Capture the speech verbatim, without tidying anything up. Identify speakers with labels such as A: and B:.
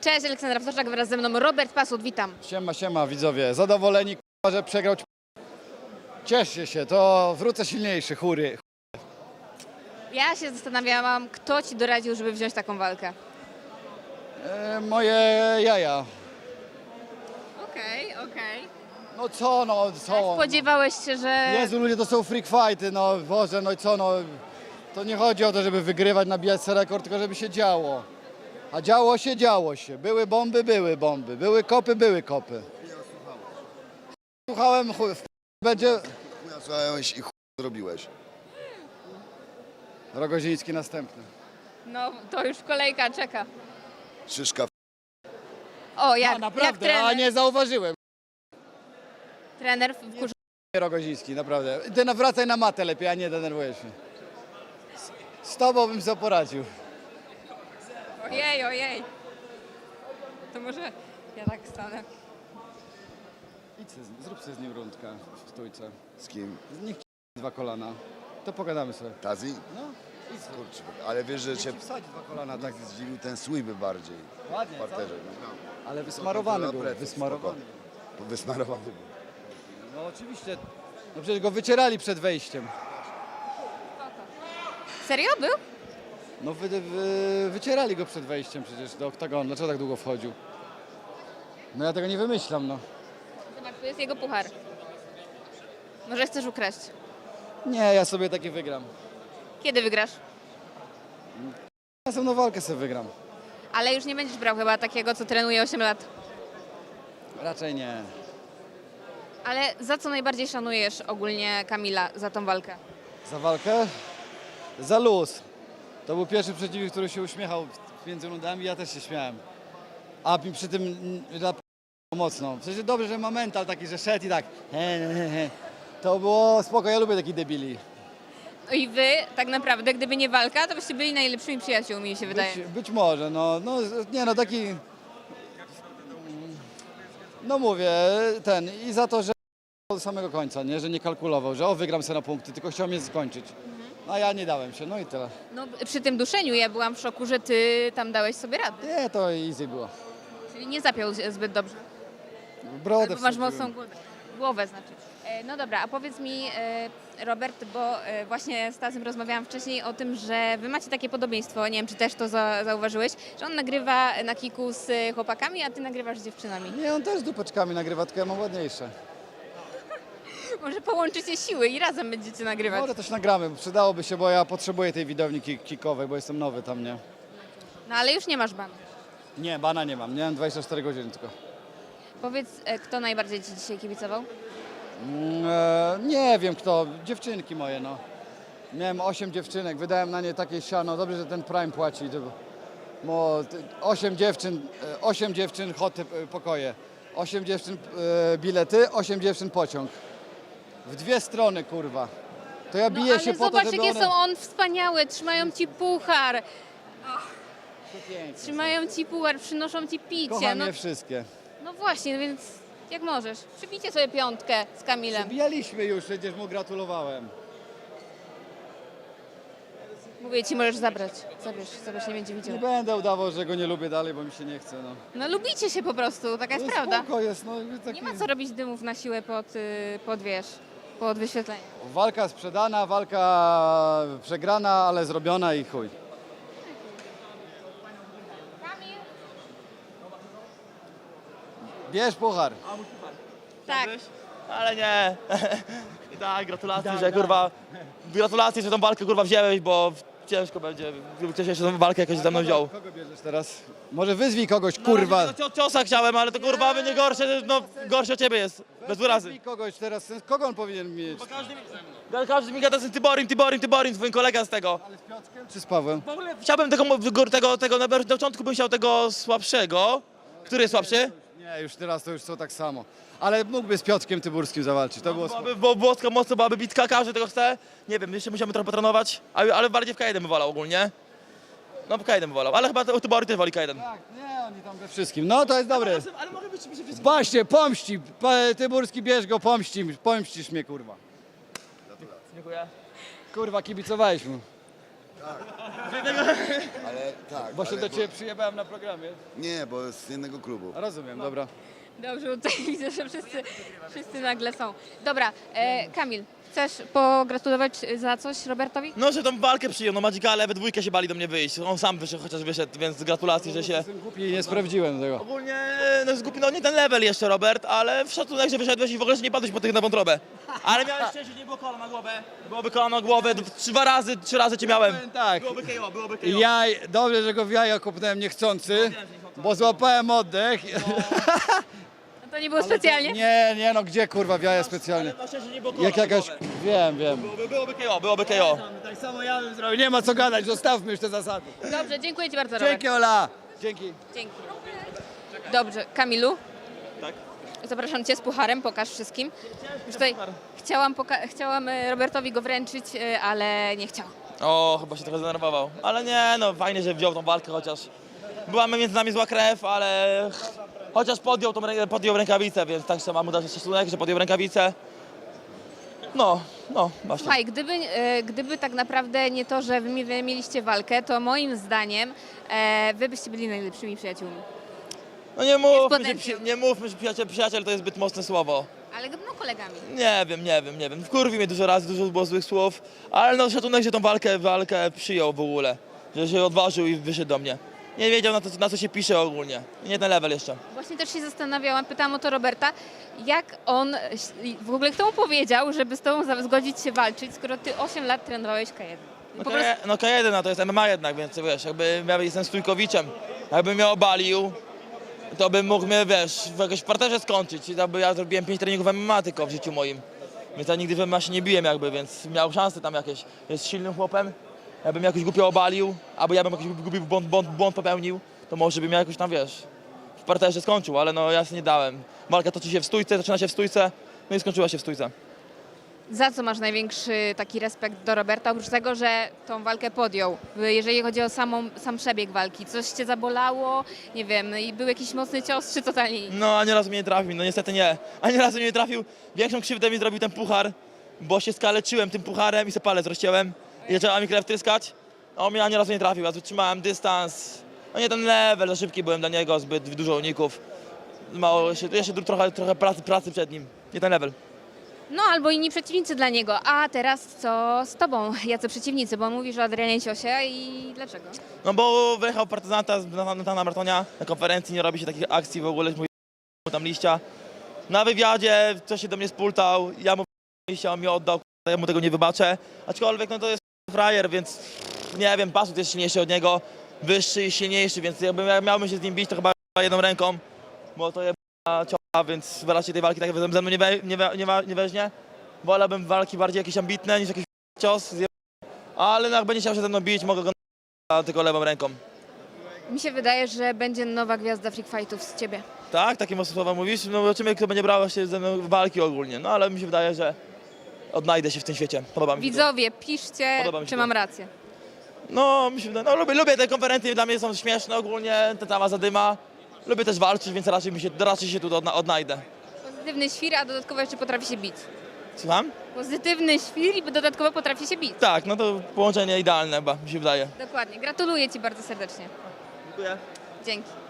A: Cześć, Aleksandra Wtoczak, wraz ze mną Robert Pasut, witam.
B: Siema, siema widzowie, zadowoleni, k***a, że przegrał. Cieszcie się, to wrócę silniejszy, chury.
A: Ja się zastanawiałam, kto ci doradził, żeby wziąć taką walkę.
B: E, moje jaja.
A: Okej, okay, okej. Okay.
B: No co, no co?
A: Spodziewałeś się, że...
B: Jezu, ludzie, to są freak fighty, no Boże, no i co, no. To nie chodzi o to, żeby wygrywać, nabijać sobie rekord, tylko żeby się działo. A działo się, działo się. Były bomby, były bomby. Były kopy, były kopy. Słuchałem, chuj, w będzie...
C: Chuja słuchałeś i chuj zrobiłeś.
B: Rogoziński następny.
A: No, to już kolejka czeka.
C: Szyszka.
A: O, jak,
B: A
A: jak
B: naprawdę,
A: trener.
B: a nie zauważyłem.
A: Trener wkurzył.
B: Rogoziński, naprawdę. Ty nawracaj na matę lepiej, a nie denerwujesz się. Z, z tobą bym sobie poradził.
A: Ojej, ojej. To może ja tak stanę.
B: Idź se, z- zrób sobie z nim rundkę w stójce.
C: Z kim?
B: Niech ci dwa kolana. To pogadamy sobie.
C: Tazi?
B: No, idź sobie.
C: Kurczę, ale wiesz, że
B: Niech
C: cię
B: ci wsadzi dwa kolana, tak.
C: zdziwił ten sweepy bardziej
B: Ładnie,
C: w parterze. No.
B: Ale wysmarowany był,
C: Pleców,
B: wysmarowany.
C: spoko. Wysmarowany był.
B: No oczywiście. No przecież go wycierali przed wejściem.
A: Serio był?
B: No wy, wy, wycierali go przed wejściem przecież do oktagonu. Dlaczego tak długo wchodził? No ja tego nie wymyślam, no.
A: Zobacz, tu jest jego puchar. Może chcesz ukraść?
B: Nie, ja sobie taki wygram.
A: Kiedy wygrasz?
B: Następną walkę sobie wygram.
A: Ale już nie będziesz brał chyba takiego, co trenuje osiem lat.
B: Raczej nie.
A: Ale za co najbardziej szanujesz ogólnie Kamila za tą walkę?
B: Za walkę? Za luz. To był pierwszy przeciwnik, który się uśmiechał między rundami, ja też się śmiałem. A mi przy tym mm, rap- mocno. W sensie dobrze, że ma mental taki, że szedł i tak. He, he, he. To było spoko, ja lubię takich debili.
A: No i wy, tak naprawdę, gdyby nie walka, to byście byli najlepszymi przyjaciółmi, mi się wydaje.
B: Być, być może, no, no nie no taki. No mówię, ten i za to, że do samego końca, nie, że nie kalkulował, że o wygram sobie na punkty, tylko chciał mnie skończyć. A ja nie dałem się, no i tyle.
A: No, przy tym duszeniu ja byłam w szoku, że ty tam dałeś sobie radę.
B: Nie, to easy było.
A: Czyli nie zapiął się zbyt dobrze.
B: Brodę
A: Bo masz
B: wsadziłem.
A: mocną głowę. Głowę znaczy. E, No dobra, a powiedz mi, e, Robert, bo e, właśnie z Tazem rozmawiałam wcześniej o tym, że wy macie takie podobieństwo, nie wiem, czy też to za, zauważyłeś, że on nagrywa na kiku z e, chłopakami, a ty nagrywasz z dziewczynami.
B: Nie, on też z dupeczkami nagrywa, tylko ja mam ładniejsze.
A: Może połączycie siły i razem będziecie nagrywać.
B: Może też nagramy, bo przydałoby się, bo ja potrzebuję tej widowni ki- kikowej, bo jestem nowy tam, nie?
A: No ale już nie masz banu.
B: Nie, bana nie mam, nie mam dwadzieścia cztery godziny tylko.
A: Powiedz, e, kto najbardziej ci dzisiaj kibicował?
B: Mm, e, nie wiem kto, dziewczynki moje, no. Miałem osiem dziewczynek, wydałem na nie takie siano, dobrze, że ten Prime płaci. To, bo ty- osiem dziewczyn, e, osiem dziewczyn, hoty, e, pokoje. Osiem dziewczyn, e, bilety, osiem dziewczyn, pociąg. W dwie strony, kurwa. To ja
A: No
B: biję
A: ale
B: się po
A: zobacz,
B: to, żeby
A: jakie
B: one...
A: są on wspaniałe, trzymają ci puchar,
B: Piękne są.
A: trzymają ci puchar, przynoszą ci picie.
B: Kocham
A: No,
B: je wszystkie.
A: no właśnie, no więc jak możesz. Przybijcie sobie piątkę z Kamilem.
B: Bijaliśmy już, przecież mu gratulowałem.
A: Mówię ci, możesz zabrać. Zabierz, zabierz, nie będzie
B: Nie
A: widział.
B: będę udawał, że go nie lubię dalej, bo mi się nie chce, no.
A: No lubicie się po prostu, taka jest
B: No
A: prawda.
B: spoko jest, no. i Taki...
A: Nie ma co robić dymów na siłę pod, y, pod wiesz, pod wyświetlenie.
B: Walka sprzedana, walka przegrana, ale zrobiona i chuj.
A: Kamil?
B: Bierz puchar.
A: Tak.
D: Ale nie. I tak, gratulacje, że kurwa. Gratulacje, że tą walkę kurwa wziąłeś, bo ciężko będzie. Gdyby ktoś jeszcze tą walkę jakoś ze mną wziął.
B: Kogo bierzesz teraz? Może wyzwij kogoś, kurwa.
D: No, ciosa chciałem, ale to kurwa będzie gorsze, no gorsze od ciebie jest. Bez urazy.
B: Wyzwij kogoś teraz. Kogo on powinien mieć?
D: Każdy, mi- każdy mi gada z tym Tyborim, Tyborim, Tyborim, twój kolega z tego.
B: Ale z Piotrkiem czy z Pawłem?
D: W ogóle chciałbym tego, tego, tego na początku bym chciał tego słabszego. Który jest słabszy?
B: Nie, już teraz to już są tak samo. Ale mógłby z Piotrkiem Tyburskim zawalczyć, to było spoko.
D: Byłaby, bo włoska mocno byłaby bitka, każdy tego chce. Nie wiem, jeszcze musiałbym trochę potrenować, ale, ale bardziej w K jeden bym wolał ogólnie. No w K jeden bym wolał, ale chyba Tybory też woli K jeden.
B: Tak, nie, oni tam we wszystkim. No to jest dobre.
D: Ale może być mi się wszystko.
B: Właśnie, pomści. Pa- Tyburski, bierz go, pomści, pomścisz mnie, kurwa.
D: Dziękuję.
B: Kurwa, kibicowałeś mu.
C: Ale tak,
B: Bo się
C: ale
B: do ciebie przyjebałem na programie.
C: Nie, bo z jednego klubu.
B: Rozumiem, dobra.
A: Dobrze, bo tutaj widzę, że wszyscy, wszyscy nagle są. Dobra, e, Kamil, chcesz pogratulować za coś Robertowi?
D: No, że tą walkę przyjął, no Magicale we dwójkę się bali do mnie wyjść. On sam wyszedł, chociaż wyszedł, więc gratulacje, że się...
B: Jestem głupi i nie sprawdziłem tego.
D: Ogólnie, no zgubi, no nie ten level jeszcze, Robert, ale w szacunek, że wyszedłeś i w ogóle że nie padłeś po tych na wątrobę. Ale miałeś szczęście, że nie było kola na głowę. Byłoby kola na głowę, d- dwa razy, trzy razy cię miałem.
B: Powiem tak,
D: Byłoby K O, byłoby K O.
B: jaj, dobrze, że go w jaja kopnąłem niechcący, bo złapałem oddech.
A: No to nie było specjalnie?
B: Nie, nie no, gdzie kurwa w jaja specjalnie?
D: Ale masz szczęście, że nie było kola
B: Jak
D: na
B: jakaś,
D: głowę.
B: wiem, wiem.
D: Byłoby, byłoby K O, byłoby K O.
B: Tak samo ja bym zrobił, nie ma co gadać, zostawmy już te zasady.
A: Dobrze, dziękuję Ci bardzo, Robert.
B: Dzięki Ola. Dzięki.
A: Dzięki. Dobrze, Kamilu,
D: Tak?
A: zapraszam Cię z pucharem, pokaż wszystkim. Już tutaj chciałam, poka- chciałam e, Robertowi go wręczyć, e, ale nie chciałam.
D: O, chyba się trochę zdenerwował. Ale nie, no fajnie, że wziął tą walkę, chociaż była między nami zła krew, ale chociaż podjął, tą, rę- podjął rękawicę, więc tak trzeba mu dać szacunek, że podjął rękawicę. No, no, właśnie.
A: Słuchaj, gdyby, e, gdyby tak naprawdę nie to, że Wy mi- wy mieliście walkę, to moim zdaniem e, Wy byście byli najlepszymi przyjaciółmi.
D: No nie mówmy, że,
A: potencjał.
D: przy- nie mówmy, że przyjaciel, przyjaciel to jest zbyt mocne słowo.
A: Ale no kolegami.
D: Nie wiem, nie wiem, nie wiem. Wkurwi mnie dużo razy, dużo było złych słów, ale no szacunek, że tą walkę, walkę przyjął w ogóle. Że się odważył i wyszedł do mnie. Nie wiedział na, to, na co się pisze ogólnie. Nie ten level jeszcze.
A: Właśnie też się zastanawiałam, pytałam o to Roberta, jak on, w ogóle kto mu powiedział, żeby z Tobą za- zgodzić się walczyć, skoro Ty osiem lat trenowałeś K jeden.
D: No,
A: Po
D: K,
A: prostu,
D: no K jeden, no to jest M M A jednak, więc wiesz, jakby ja jestem stójkowiczem. Jakbym mnie obalił, to bym mógł mnie, wiesz, w jakoś w parterze skończyć. Jakby ja zrobiłem pięć treningów M M A tylko w życiu moim. Więc ja nigdy w M M A się nie biłem jakby, więc miał szansę tam jakieś. Jest silnym chłopem. Jakbym jakoś głupio obalił, albo ja bym jakiś głupi błąd, błąd, błąd popełnił, to może bym ja jakoś tam, wiesz, w parterze skończył, ale no ja sobie nie dałem. Walka toczy się w stójce, zaczyna się w stójce, no i skończyła się w stójce.
A: za co masz największy taki respekt do Roberta, oprócz tego, że tą walkę podjął? Jeżeli chodzi o samą, sam przebieg walki, coś Cię zabolało, nie wiem, i był jakiś mocny cios, czy totalnie nic?
D: No ani razu mnie nie trafił, no niestety nie. Ani razu mnie nie trafił. Większą krzywdę mi zrobił ten puchar, bo się skaleczyłem tym pucharem i sobie palec rozciąłem i zaczęła mi krew tryskać. A on mnie ani razu nie trafił, ja tu trzymałem dystans. No nie ten level, za szybki byłem dla niego, zbyt dużo uników. Mało, jeszcze, jeszcze trochę, trochę pracy, pracy przed nim, nie ten level.
A: No albo inni przeciwnicy dla niego. A teraz co z Tobą? Jacy przeciwnicy? Bo on mówisz o Adrianie Ciosie i dlaczego?
D: No bo wyjechał partyzanta z Natana Martonia na konferencji, nie robi się takich akcji w ogóle, mój tam liścia. Na wywiadzie coś się do mnie spultał, ja mu liścia, on mi oddał, ja mu tego nie wybaczę. Aczkolwiek no to jest frajer, więc nie wiem, Pasut jest silniejszy od niego, wyższy i silniejszy, więc jakbym ja miałbym się z nim bić, to chyba jedną ręką, bo to jest cioła, więc raczej tej walki tak ze mną nie, we, nie, we, nie, wa- nie weźmie. Wolałbym walki bardziej jakieś ambitne niż jakiś cios, zje- ale no jak będzie chciał się ze mną bić, mogę go na tylko lewą ręką.
A: Mi się wydaje, że będzie nowa gwiazda freak fightów z Ciebie.
D: Tak? Takie mocne słowa mówisz? No zobaczymy, kto będzie brał się ze mną w walki ogólnie. No ale mi się wydaje, że odnajdę się w tym świecie. Podoba mi się to.
A: Widzowie, piszcie,
D: Podoba mi się
A: czy
D: to.
A: mam rację.
D: No, mi się wydaje, no lubię, lubię te konferencje, dla mnie są śmieszne ogólnie, ta cała zadyma. Lubię też walczyć, więc raczej, mi się, raczej się tu odna odnajdę.
A: Pozytywny świr, a dodatkowo jeszcze potrafi się bić.
D: Słucham?
A: Pozytywny świr i dodatkowo potrafi się bić.
D: Tak, no to połączenie idealne chyba, mi się wydaje.
A: Dokładnie. Gratuluję Ci bardzo serdecznie.
D: Dziękuję.
A: Dzięki.